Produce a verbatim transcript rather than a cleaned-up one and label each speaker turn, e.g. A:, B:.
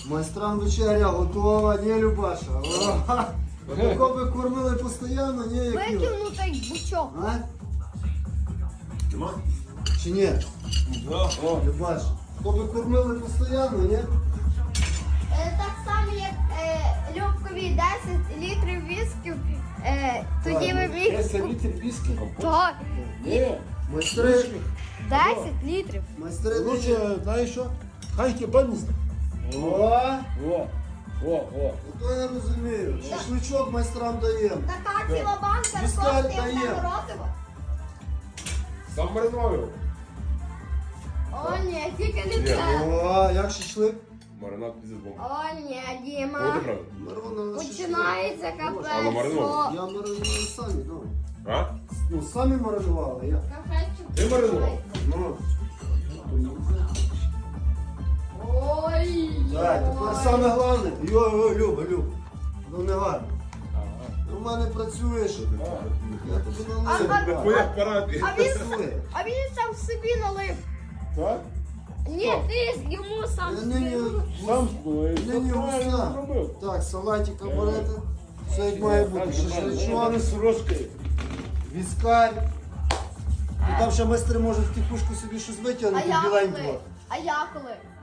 A: Майстрам вечеря готова, ні, Любаша? Такого би кормили постійно, ні, як
B: Викинь
A: його.
B: ну той бучок.
A: А?
C: Нема?
A: Чи ні?
C: Да. О.
A: Любаш, то би кормили постійно, ні?
B: Е, Так само, як е, Любкові десять літрів вісків, е, тоді ви міг...
C: десять літрів віскі.
B: Так,
C: Ні.
A: Майстри,
B: десять літрів.
A: майстри нині.
C: Короче, знаєш що? Хай кібаніст.
A: О,
C: О, о, о.
A: то я розумію. Шашличок майстрам даємо.
B: Така ціла банка
A: Віскар
B: коштує
A: дає.
B: все морозиво.
C: Сам маринував.
B: О, ні, тільки не
C: Ні.
B: це.
A: О, як шашлик?
C: Маринад піздець бомба.
B: О, ні,
C: Буде
B: Діма.
C: правда?
A: Маринований шашлик.
B: Починається
C: Але
B: капець.
C: маринований.
A: Я маринував самі, ну.
C: А?
A: Ну, самі маринували, я.
B: Капець.
C: Ти маринував?
A: Ну.
B: Ой.
A: Так, тепер саме головне. Йо, йо, Люба, Люба. Ну не гарно. У мене працюєш. Я тобі налив.
B: А,
C: По як параді.
B: А він,
A: Працює.
B: а він сам собі налив.
C: Так?
B: Ні, ти йому сам
A: Я
B: собі
A: нині,
B: налив.
C: Сам
A: нині густа.
C: робив.
A: Так, салатика берете. Все як має бути. Шашличок,
C: з рожкою.
A: віскар. І там ще майстри можуть в тихушку собі щось
B: А
A: витягнути
B: я
A: біленького.
B: коли? А я коли?